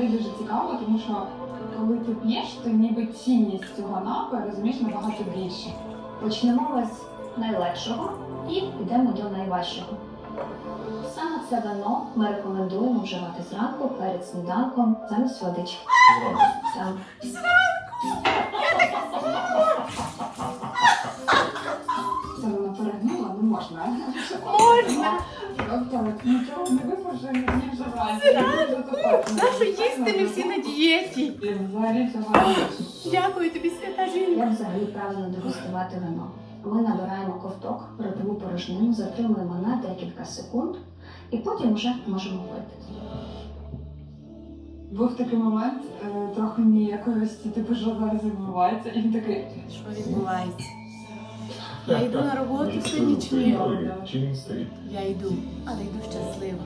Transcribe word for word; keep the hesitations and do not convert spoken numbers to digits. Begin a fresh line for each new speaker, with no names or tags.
взагалі дуже цікаво, тому що коли ти п'єш, то ніби цінність цього напою розумієш набагато більше.
Почнемо ми з найлегшого і підемо до найважчого. Саме це вино ми рекомендуємо вживати зранку перед сніданком замість водички. Так.
Це вона перегнула, не можна.
Можна.
Тобто нічого не випоже, не вживати.
Нащо їсти, ми всі на дієті.
Взагалі цього.
Дякую тобі, свята жінка.
Як взагалі правильно дегустувати вино? Ми набираємо ковток, ротову порожнину, затримуємо на декілька секунд і потім вже можемо пити.
Був такий момент, е, трохи ніякості, типу, що зараз відбувається, і він такий.
Що відбувається? Я йду на роботу сьогодні чи ні?
Чи він стоїть?
Я йду, але йду щаслива.